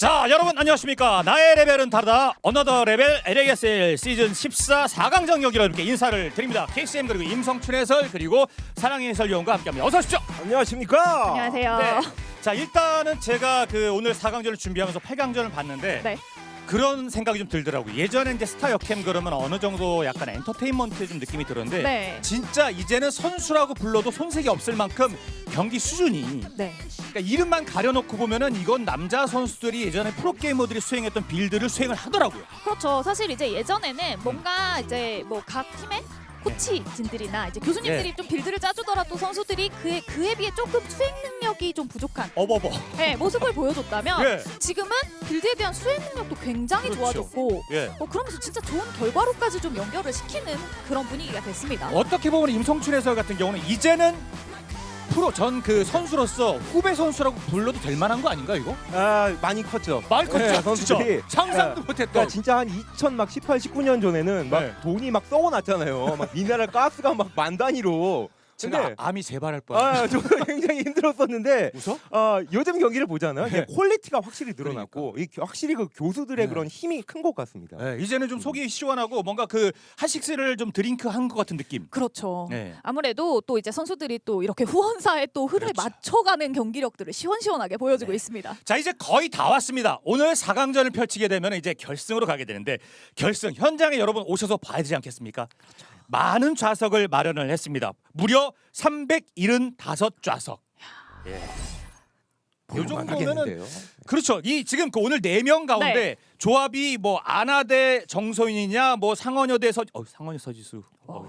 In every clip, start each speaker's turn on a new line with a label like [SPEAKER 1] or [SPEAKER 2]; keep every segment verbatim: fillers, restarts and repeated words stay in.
[SPEAKER 1] 자, 여러분 안녕하십니까? 나의 레벨은 다르다. 어너더 레벨 엘에이에스엘 시즌 십사 사 강전 경기로 이렇게 인사를 드립니다. 케이씨엠 그리고 임성춘 해설 그리고 사랑의 해설위원과 함께합니다. 어서 오십시오.
[SPEAKER 2] 안녕하십니까?
[SPEAKER 3] 안녕하세요.
[SPEAKER 1] 네. 자, 일단은 제가 그 오늘 사 강전을 준비하면서 팔 강전을 봤는데
[SPEAKER 3] 네.
[SPEAKER 1] 그런 생각이 좀 들더라고요. 예전에 이제 스타 역캠 그러면 어느 정도 약간 엔터테인먼트 좀 느낌이 들었는데
[SPEAKER 3] 네.
[SPEAKER 1] 진짜 이제는 선수라고 불러도 손색이 없을 만큼 경기 수준이
[SPEAKER 3] 네.
[SPEAKER 1] 그러니까 이름만 가려놓고 보면은 이건 남자 선수들이 예전에 프로게이머들이 수행했던 빌드를 수행을 하더라고요.
[SPEAKER 3] 그렇죠. 사실 이제 예전에는 뭔가 이제 뭐 각 팀의 코치진들이나 이제 교수님들이
[SPEAKER 1] 네.
[SPEAKER 3] 좀 빌드를 짜주더라도 선수들이 그에 그에 비해 조금 수행 능력이 좀 부족한
[SPEAKER 1] 어버버.
[SPEAKER 3] 네, 모습을 보여줬다면
[SPEAKER 1] 예.
[SPEAKER 3] 지금은 빌드에 대한 수행 능력도 굉장히
[SPEAKER 1] 그렇죠.
[SPEAKER 3] 좋아졌고
[SPEAKER 1] 예.
[SPEAKER 3] 어, 그러면서 진짜 좋은 결과로까지 좀 연결을 시키는 그런 분위기가 됐습니다.
[SPEAKER 1] 어떻게 보면 임성춘 해설 같은 경우는 이제는 프로 전 그 선수로서 후배 선수라고 불러도 될 만한 거 아닌가 이거?
[SPEAKER 2] 아 많이 컸죠.
[SPEAKER 1] 말 컸죠.
[SPEAKER 2] 네,
[SPEAKER 1] 진짜
[SPEAKER 2] 선수들이.
[SPEAKER 1] 상상도
[SPEAKER 2] 네.
[SPEAKER 1] 못했던.
[SPEAKER 2] 그러니까 진짜 한 이천 막 십팔, 십구 년 전에는 막
[SPEAKER 1] 네.
[SPEAKER 2] 돈이 막 썩어났잖아요. 막 미네랄 가스가 막 만 단위로.
[SPEAKER 1] 제가
[SPEAKER 2] 근데
[SPEAKER 1] 아, 암이 재발할 뻔.
[SPEAKER 2] 아, 저 굉장히 힘들었었는데
[SPEAKER 1] 웃어?
[SPEAKER 2] 어, 요즘 경기를 보잖아요. 이게
[SPEAKER 1] 네.
[SPEAKER 2] 퀄리티가 확실히 늘어났고 이 겨- 확실히 그 교수들의
[SPEAKER 1] 네.
[SPEAKER 2] 그런 힘이 큰 것 같습니다.
[SPEAKER 1] 네, 이제는 좀 속이 시원하고 뭔가 그 하식스를 좀 드링크 한 것 같은 느낌.
[SPEAKER 3] 그렇죠.
[SPEAKER 1] 네.
[SPEAKER 3] 아무래도 또 이제 선수들이 또 이렇게 후원사의 또 흐름에
[SPEAKER 1] 그렇죠.
[SPEAKER 3] 맞춰가는 경기력들을 시원시원하게 보여주고
[SPEAKER 1] 네.
[SPEAKER 3] 있습니다.
[SPEAKER 1] 자, 이제 거의 다 왔습니다. 오늘 사 강전을 펼치게 되면 이제 결승으로 가게 되는데 결승 현장에 여러분 오셔서 봐야 되지 않겠습니까? 많은 좌석을 마련을 했습니다. 무려 삼백칠십오 좌석. 예. 요
[SPEAKER 2] 볼만
[SPEAKER 1] 정도면은
[SPEAKER 2] 하겠는데요.
[SPEAKER 1] 그렇죠. 이 지금 그 오늘 네 명 가운데
[SPEAKER 3] 네.
[SPEAKER 1] 조합이 뭐 아나대 정소인이냐 뭐 상원여대 서 어, 상원여 서지수. 어.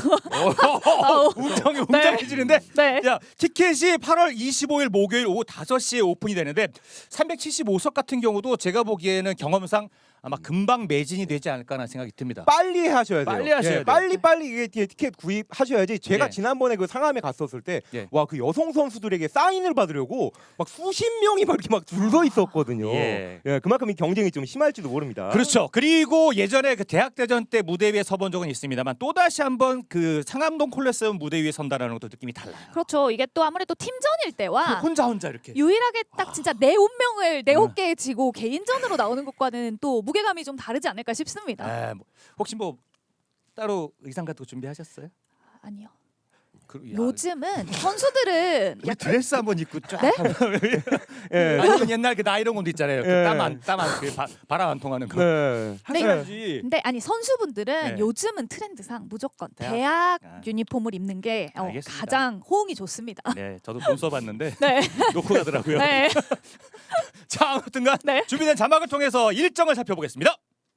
[SPEAKER 1] 웅장이 웅장해지는데.
[SPEAKER 3] 네.
[SPEAKER 1] 야, 티켓이 팔월 이십오일 목요일 오후 다섯 시에 오픈이 되는데 삼백칠십오 석 같은 경우도 제가 보기에는 경험상 아마 금방 매진이 되지 않을까라는 생각이 듭니다.
[SPEAKER 2] 빨리 하셔야 돼요.
[SPEAKER 1] 빨리 하셔야
[SPEAKER 2] 예,
[SPEAKER 1] 돼요.
[SPEAKER 2] 빨리 빨리 이게 티- 티켓 구입하셔야지. 제가
[SPEAKER 1] 예.
[SPEAKER 2] 지난번에 그 상암에 갔었을 때
[SPEAKER 1] 예.
[SPEAKER 2] 와 그 여성 선수들에게 사인을 받으려고 막 수십 명이 막 이렇게 막 줄 서 있었거든요.
[SPEAKER 1] 예.
[SPEAKER 2] 예, 그만큼 이 경쟁이 좀 심할지도 모릅니다.
[SPEAKER 1] 그렇죠. 그리고 예전에 그 대학대전 때 무대 위에 서본 적은 있습니다만 또 다시 한번 그 상암동 콜레세움 무대 위에 선다라는 것도 느낌이 달라요.
[SPEAKER 3] 그렇죠. 이게 또 아무래도 팀전일 때와
[SPEAKER 1] 혼자 혼자 이렇게.
[SPEAKER 3] 유일하게 딱 진짜 내 운명을 내 어깨에 지고 개인전으로 나오는 것과는 또 무게감이 좀 다르지 않을까 싶습니다.
[SPEAKER 1] 아, 뭐, 혹시 뭐 따로 의상 같은 거 준비하셨어요?
[SPEAKER 3] 아니요.
[SPEAKER 1] 그, 야,
[SPEAKER 3] 요즘은 선수들은
[SPEAKER 1] 우리 드레스 한번 입고 쫙.
[SPEAKER 3] 네?
[SPEAKER 2] 예.
[SPEAKER 1] 아니면 옛날 그 나이런 옷 있잖아요. 그
[SPEAKER 2] 예.
[SPEAKER 1] 땀안 땀안 그 바, 바람 안 통하는 거.
[SPEAKER 2] 네.
[SPEAKER 1] 하셔야지.
[SPEAKER 3] 근데 아니 선수분들은
[SPEAKER 1] 네.
[SPEAKER 3] 요즘은 트렌드상 무조건
[SPEAKER 1] 대학?
[SPEAKER 3] 대학,
[SPEAKER 1] 아.
[SPEAKER 3] 유니폼을 입는 게 어,
[SPEAKER 1] 알겠습니다.
[SPEAKER 3] 가장 호응이 좋습니다.
[SPEAKER 1] 네, 저도 돈 써봤는데
[SPEAKER 3] 네.
[SPEAKER 1] 놓고 가더라고요.
[SPEAKER 3] 네.
[SPEAKER 1] 자, 아무튼간
[SPEAKER 3] 네.
[SPEAKER 1] 준비된 자막을 통해서 일정을 살펴보겠습니다.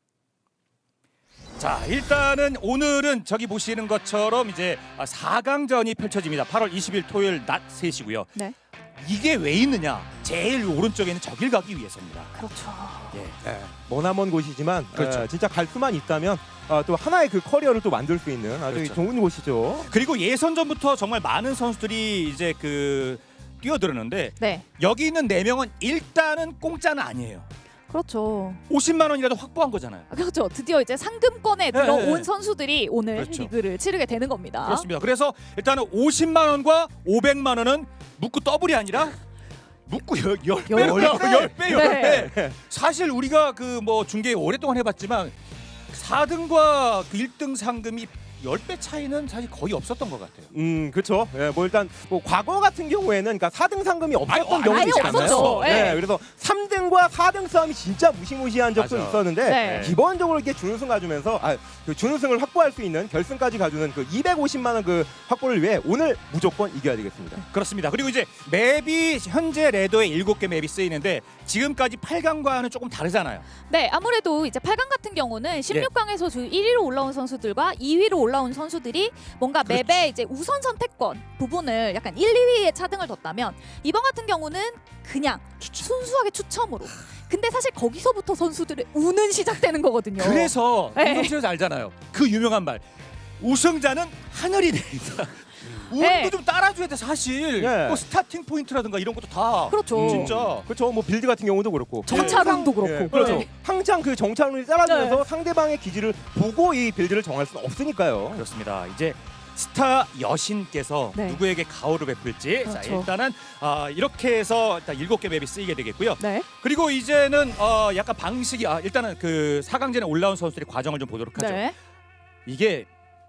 [SPEAKER 1] 자, 일단은 오늘은 저기 보시는 것처럼 이제 사 강전이 펼쳐집니다. 팔월 이십일 토요일 낮 세 시고요.
[SPEAKER 3] 네.
[SPEAKER 1] 이게 왜 있느냐? 제일 오른쪽에 있는 저길 가기 위해서입니다.
[SPEAKER 3] 그렇죠.
[SPEAKER 1] 예.
[SPEAKER 2] 예. 머나먼 곳이지만
[SPEAKER 1] 그렇죠.
[SPEAKER 2] 예, 진짜 갈 수만 있다면 어, 또 하나의 그 커리어를 또 만들 수 있는 아주
[SPEAKER 1] 그렇죠.
[SPEAKER 2] 좋은 곳이죠.
[SPEAKER 1] 그리고 예선전부터 정말 많은 선수들이 이제 그 뛰어들었는데
[SPEAKER 3] 네.
[SPEAKER 1] 여기 있는 네 명은 일단은 공짜는 아니에요.
[SPEAKER 3] 그렇죠.
[SPEAKER 1] 오십만 원이라도 확보한 거잖아요.
[SPEAKER 3] 아, 그렇죠. 드디어 이제 상금권에 들어온
[SPEAKER 1] 네, 네.
[SPEAKER 3] 선수들이 오늘
[SPEAKER 1] 그렇죠.
[SPEAKER 3] 리그를 치르게 되는 겁니다.
[SPEAKER 1] 그렇습니다. 그래서 일단은 오십만 원과 오백만 원은 묶고 더블이 아니라 묶고 열, 열 배,
[SPEAKER 3] 열 배.
[SPEAKER 1] 열 배, 열
[SPEAKER 3] 네.
[SPEAKER 1] 배. 사실 우리가 그 뭐 중계 오랫동안 해봤지만 사 등과 그 일 등 상금이 열 배 차이는 사실 거의 없었던 것 같아요.
[SPEAKER 2] 음, 그렇죠. 예, 뭐 일단 뭐 과거 같은 경우에는 그러니까 사 등 상금이 없었던
[SPEAKER 1] 아니,
[SPEAKER 2] 경우도
[SPEAKER 3] 아예
[SPEAKER 2] 있잖아요.
[SPEAKER 3] 없었죠. 예.
[SPEAKER 2] 예, 그래서 삼 등과 사 등 싸움이 진짜 무시무시한 적도
[SPEAKER 1] 맞아.
[SPEAKER 2] 있었는데
[SPEAKER 3] 네.
[SPEAKER 2] 기본적으로 이렇게 준우승 가주면서 아, 그 준우승을 확보할 수 있는 결승까지 가주는 그 이백오십만 원 그 확보를 위해 오늘 무조건 이겨야 되겠습니다.
[SPEAKER 1] 그렇습니다. 그리고 이제 맵이 현재 레더에 일곱 개 맵이 쓰이는데 지금까지 팔 강과는 조금 다르잖아요.
[SPEAKER 3] 네, 아무래도 이제 팔 강 같은 경우는 십육 강에서 주 일 위로 올라온 선수들과 이 위로 올라온 선수들이 뭔가
[SPEAKER 1] 그렇죠.
[SPEAKER 3] 맵의 이제 우선 선택권 부분을 약간 일, 이 위에 차등을 뒀다면 이번 같은 경우는 그냥 순수하게 추첨으로. 근데 사실 거기서부터 선수들의 우는 시작되는 거거든요.
[SPEAKER 1] 그래서
[SPEAKER 3] 네.
[SPEAKER 1] 운동실에서 알잖아요. 그 유명한 말. 우승자는 하늘이 내린다. 운도
[SPEAKER 3] 네.
[SPEAKER 1] 좀 따라줘야 돼 사실.
[SPEAKER 2] 네.
[SPEAKER 1] 뭐 스타팅 포인트라든가 이런 것도 다.
[SPEAKER 3] 그렇죠.
[SPEAKER 1] 진짜.
[SPEAKER 2] 그렇죠. 뭐 빌드 같은 경우도 그렇고.
[SPEAKER 3] 정찰운도 그렇고.
[SPEAKER 2] 예, 그렇죠.
[SPEAKER 3] 네.
[SPEAKER 2] 항상 그 정찰운이 따라주면서 상대방의 기지를 보고 이 빌드를 정할 수는 없으니까요.
[SPEAKER 1] 그렇습니다. 이제 스타 여신께서
[SPEAKER 3] 네.
[SPEAKER 1] 누구에게 가호를 베풀지. 자,
[SPEAKER 3] 그렇죠.
[SPEAKER 1] 일단은 어, 이렇게 해서 일단 일곱 개 맵이 쓰이게 되겠고요.
[SPEAKER 3] 네.
[SPEAKER 1] 그리고 이제는 어, 약간 방식이 아, 일단은 그 사 강전에 올라온 선수들의 과정을 좀 보도록 하죠.
[SPEAKER 3] 네.
[SPEAKER 1] 이게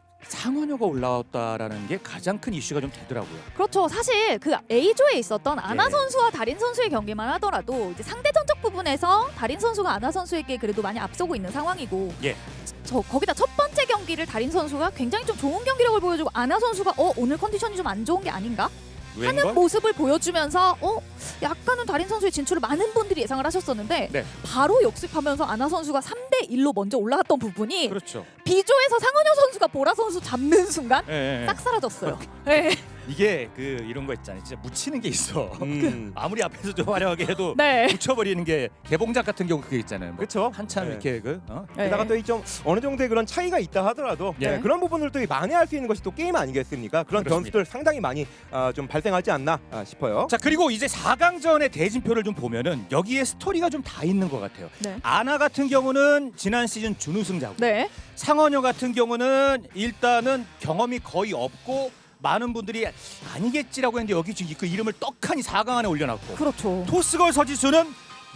[SPEAKER 1] 상원효가 올라왔다라는 게 가장 큰 이슈가 좀 되더라고요.
[SPEAKER 3] 그렇죠. 사실 그 A조에 있었던 아나
[SPEAKER 1] 예.
[SPEAKER 3] 선수와 다린 선수의 경기만 하더라도 이제 상대 전적 부분에서 다린 선수가 아나 선수에게 그래도 많이 앞서고 있는 상황이고
[SPEAKER 1] 예.
[SPEAKER 3] 저 거기다 첫 번째 경기를 다린 선수가 굉장히 좀 좋은 경기력을 보여주고 아나 선수가 어 오늘 컨디션이 좀 안 좋은 게 아닌가 하는
[SPEAKER 1] 웬걸?
[SPEAKER 3] 모습을 보여주면서 어 약간은 다린 선수의 진출을 많은 분들이 예상을 하셨었는데
[SPEAKER 1] 네.
[SPEAKER 3] 바로 역습하면서 아나 선수가 삼 대 일로 먼저 올라갔던 부분이
[SPEAKER 1] 그렇죠.
[SPEAKER 3] B조에서 상원효 선수가 보라 선수 잡는 순간
[SPEAKER 1] 예, 예, 예.
[SPEAKER 3] 싹 사라졌어요. 네.
[SPEAKER 1] 이게 그 이런 거 있잖아요. 진짜 묻히는 게 있어.
[SPEAKER 2] 음.
[SPEAKER 1] 아무리 앞에서 좀 화려하게 해도
[SPEAKER 3] 네.
[SPEAKER 1] 묻혀버리는 게 개봉작 같은 경우 그게 있잖아요. 뭐
[SPEAKER 2] 그렇죠.
[SPEAKER 1] 한참
[SPEAKER 2] 네.
[SPEAKER 1] 이렇게 그 어?
[SPEAKER 2] 게다가 또 이 좀 어느 정도의 그런 차이가 있다 하더라도
[SPEAKER 1] 예.
[SPEAKER 2] 네, 그런 부분을 또 만회할 수 있는 것이 또 게임 아니겠습니까? 그런
[SPEAKER 1] 그렇습니다.
[SPEAKER 2] 변수들 상당히 많이 아, 좀 발생하지 않나 아, 싶어요.
[SPEAKER 1] 자, 그리고 이제 사 강전의 대진표를 좀 보면은 여기에 스토리가 좀 다 있는 것 같아요.
[SPEAKER 3] 네.
[SPEAKER 1] 아나 같은 경우는 지난 시즌 준우승자고,
[SPEAKER 3] 네.
[SPEAKER 1] 상원효 같은 경우는 일단은 경험이 거의 없고 많은 분들이 아니겠지라고 했는데 여기 지금 그 이름을 떡하니 사 강 안에 올려놨고,
[SPEAKER 3] 그렇죠.
[SPEAKER 1] 토스걸 서지수는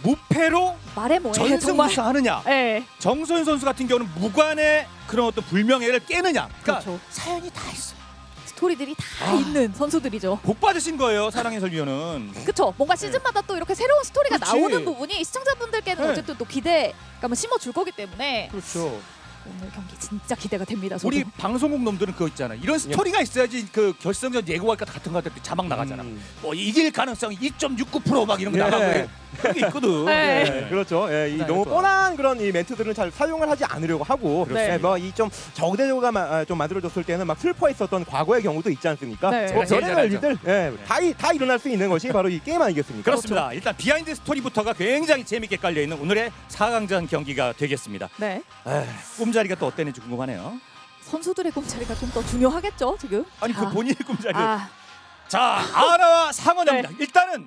[SPEAKER 1] 무패로
[SPEAKER 3] 말해 뭐해 정말.
[SPEAKER 1] 전승우승하느냐,
[SPEAKER 3] 네.
[SPEAKER 1] 정소연 선수 같은 경우는 무관의 그런 어떤 불명예를 깨느냐, 그러니까
[SPEAKER 3] 그렇죠.
[SPEAKER 1] 사연이 다 있어요.
[SPEAKER 3] 스토리들이 다
[SPEAKER 1] 아.
[SPEAKER 3] 있는 선수들이죠.
[SPEAKER 1] 복 받으신 거예요, 사랑의 설위원은.
[SPEAKER 3] 그쵸? 뭔가 시즌마다 또 이렇게 새로운 스토리가
[SPEAKER 1] 그렇지.
[SPEAKER 3] 나오는 부분이 시청자분들께는
[SPEAKER 1] 네.
[SPEAKER 3] 어쨌든 또 기대감을 심어줄 거기 때문에
[SPEAKER 1] 그렇죠.
[SPEAKER 3] 오늘 경기 진짜 기대가 됩니다. 저도.
[SPEAKER 1] 우리 방송국 놈들은 그거 있잖아. 이런 스토리가 있어야지 그 결승전 예고할 것 같은 거 할 때 자막 나가잖아.
[SPEAKER 2] 음.
[SPEAKER 1] 뭐 이길 가능성이 이 점 육구 퍼센트 막 이런 거
[SPEAKER 2] 예.
[SPEAKER 1] 나가고 그런 게 있거든.
[SPEAKER 3] 네.
[SPEAKER 2] 네, 그렇죠. 예, 이
[SPEAKER 1] 네,
[SPEAKER 2] 너무
[SPEAKER 1] 좋아.
[SPEAKER 2] 뻔한 그런 이 멘트들은 잘 사용을 하지 않으려고 하고,
[SPEAKER 3] 네.
[SPEAKER 2] 뭐이 좀 저우대조가 마- 좀 만들어졌을 때는 막 슬퍼했었던 과거의 경우도 있지 않습니까?
[SPEAKER 3] 네.
[SPEAKER 2] 뭐
[SPEAKER 1] 제가 제일
[SPEAKER 2] 별의별
[SPEAKER 1] 잘
[SPEAKER 2] 일들 예, 다, 이- 다 일어날 수 있는 것이 바로 이 게임 아니겠습니까?
[SPEAKER 1] 그렇습니다. 일단 비하인드 스토리부터가 굉장히 재밌게 깔려 있는 오늘의 사 강전 경기가 되겠습니다.
[SPEAKER 3] 네.
[SPEAKER 1] 에휴, 꿈자리가 또 어땠는지 궁금하네요.
[SPEAKER 3] 선수들의 꿈자리가 좀 더 중요하겠죠 지금.
[SPEAKER 1] 아니 그
[SPEAKER 3] 자,
[SPEAKER 1] 본인의 꿈자리.
[SPEAKER 3] 아,
[SPEAKER 1] 자, 아나와 상원효입니다.
[SPEAKER 3] 네.
[SPEAKER 1] 일단은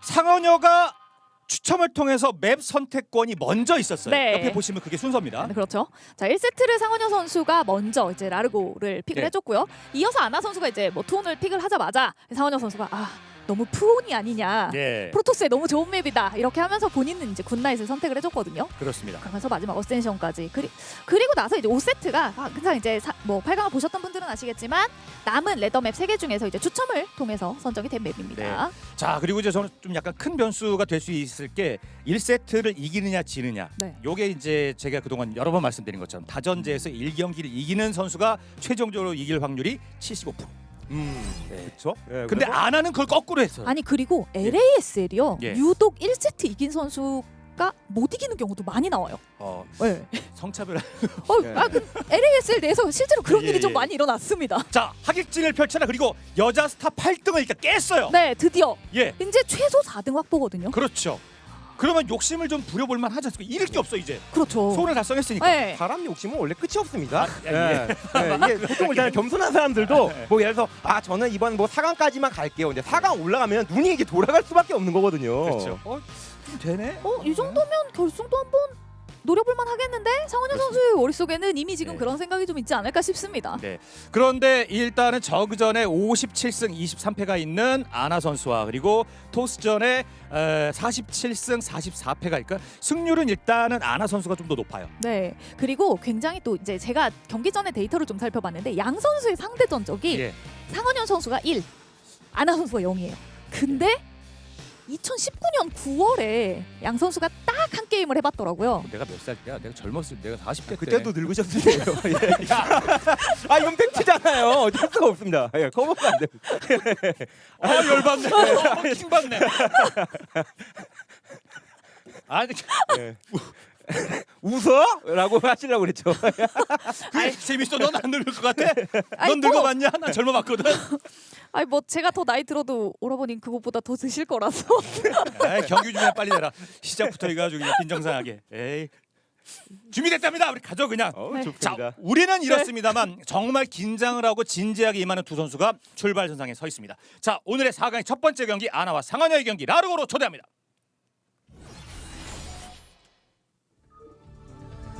[SPEAKER 1] 상원효가 추첨을 통해서 맵 선택권이 먼저 있었어요.
[SPEAKER 3] 네.
[SPEAKER 1] 옆에 보시면 그게 순서입니다.
[SPEAKER 3] 네, 그렇죠. 자, 일 세트를 상원효 선수가 먼저 이제 라르고를 픽을
[SPEAKER 1] 네.
[SPEAKER 3] 해줬고요. 이어서 아나 선수가 이제 뭐 투혼을 픽을 하자마자 상원효 선수가 아 너무 푸온이 아니냐.
[SPEAKER 1] 예,
[SPEAKER 3] 프로토스에 너무 좋은 맵이다. 이렇게 하면서 본인은 이제 굿나잇을 선택을 해줬거든요.
[SPEAKER 1] 그렇습니다.
[SPEAKER 3] 그러면서 마지막 어센션까지 그리, 그리고 나서 이제 오 세트가 아, 항상 이제 사, 뭐 팔 강을 보셨던 분들은 아시겠지만 남은 레더맵 세 개 중에서 이제 추첨을 통해서 선정이 된 맵입니다.
[SPEAKER 1] 자, 그리고 이제 저는 좀 약간 큰 변수가 될 수 있을 게 일 세트를 이기느냐 지느냐.
[SPEAKER 3] 네.
[SPEAKER 1] 요게 이제 제가 그동안 여러 번 말씀드린 것처럼 다전제에서 일 경기를 이기는 선수가 최종적으로 이길 확률이 칠십오 퍼센트.
[SPEAKER 2] 음,
[SPEAKER 1] 네.
[SPEAKER 2] 그렇죠. 예,
[SPEAKER 1] 근데
[SPEAKER 2] 그래서
[SPEAKER 1] 아나는 그걸 거꾸로 했어요.
[SPEAKER 3] 아니 그리고 엘에이에스엘이요.
[SPEAKER 1] 예.
[SPEAKER 3] 유독 일 세트 이긴 선수가 못 이기는 경우도 많이 나와요.
[SPEAKER 1] 어,
[SPEAKER 3] 네.
[SPEAKER 1] 성차별.
[SPEAKER 3] 어,
[SPEAKER 2] 예.
[SPEAKER 3] 아, 그 엘에이에스엘 내에서 실제로 그런
[SPEAKER 1] 예,
[SPEAKER 3] 일이 좀
[SPEAKER 1] 예.
[SPEAKER 3] 많이 일어났습니다.
[SPEAKER 1] 자, 하객진을 펼쳐라. 그리고 여자 스타 팔 등을 일단 깼어요.
[SPEAKER 3] 네, 드디어
[SPEAKER 1] 예,
[SPEAKER 3] 이제 최소 사 등 확보거든요.
[SPEAKER 1] 그렇죠. 그러면 욕심을 좀 부려볼 만 하지 않습니까? 잃을 게 없어 이제.
[SPEAKER 3] 그렇죠.
[SPEAKER 1] 소원을 달성했으니까.
[SPEAKER 3] 네.
[SPEAKER 2] 사람 욕심은 원래 끝이 없습니다.
[SPEAKER 1] 아, 예,
[SPEAKER 2] 예, 이게 보통 일단 겸손한 사람들도 뭐 예를 들어서 아 저는 이번 뭐 사 강까지만 갈게요. 이제 사 강 올라가면 눈이 이게 돌아갈 수밖에 없는 거거든요.
[SPEAKER 1] 그렇죠. 어, 좀 되네.
[SPEAKER 3] 어, 이 정도면 결승도 한번 노려볼만 하겠는데 상원효 선수의 머릿속에는 이미 지금
[SPEAKER 1] 네.
[SPEAKER 3] 그런 생각이 좀 있지 않을까 싶습니다.
[SPEAKER 1] 네. 그런데 일단은 저그전에 오십칠 승 이십삼 패가 있는 아나 선수와 그리고 토스전에 에, 사십칠 승 사십사 패가 있까 승률은 일단은 아나 선수가 좀 더 높아요.
[SPEAKER 3] 네. 그리고 굉장히 또 이제 제가 경기 전에 데이터를 좀 살펴봤는데 양 선수의 상대 전적이
[SPEAKER 1] 예.
[SPEAKER 3] 상원효 선수가 일, 아나 선수가 영이에요. 근데 이천십구 년 구월에 양 선수가 딱 한 게임을 해봤더라고요.
[SPEAKER 1] 내가 몇 살 때야? 내가 젊었을 때 내가 사십 대 때.
[SPEAKER 2] 그때도 늙으셨을 거예요. 예. 아 이건 팩트잖아요. 어쩔 수가 없습니다. 예, 커버가 안 돼.
[SPEAKER 1] 아, 열받네. 어, 킹받네. 아니,
[SPEAKER 2] 예. 웃어? 라고 하시려고 그랬죠.
[SPEAKER 1] 그게 재밌어. 넌 안 늙을 것 같아?
[SPEAKER 3] 아이,
[SPEAKER 1] 넌
[SPEAKER 3] 뭐.
[SPEAKER 1] 늙어봤냐? 난 젊어봤거든.
[SPEAKER 3] 아니 뭐 제가 더 나이 들어도 오라버님 그것보다 더 드실 거라서.
[SPEAKER 1] 에이, 경기 준비 빨리 내라. 시작부터 해가지고 그냥 빈정상하게. 에이. 준비됐답니다. 우리 가죠 그냥.
[SPEAKER 2] 어,
[SPEAKER 3] 네.
[SPEAKER 2] 좋습니다.
[SPEAKER 1] 자, 우리는 이렇습니다만 정말 긴장을 하고 진지하게 임하는 두 선수가 출발선상에 서 있습니다. 자, 오늘의 사 강의 첫 번째 경기 아나와 상한여의 경기 라르고로 초대합니다.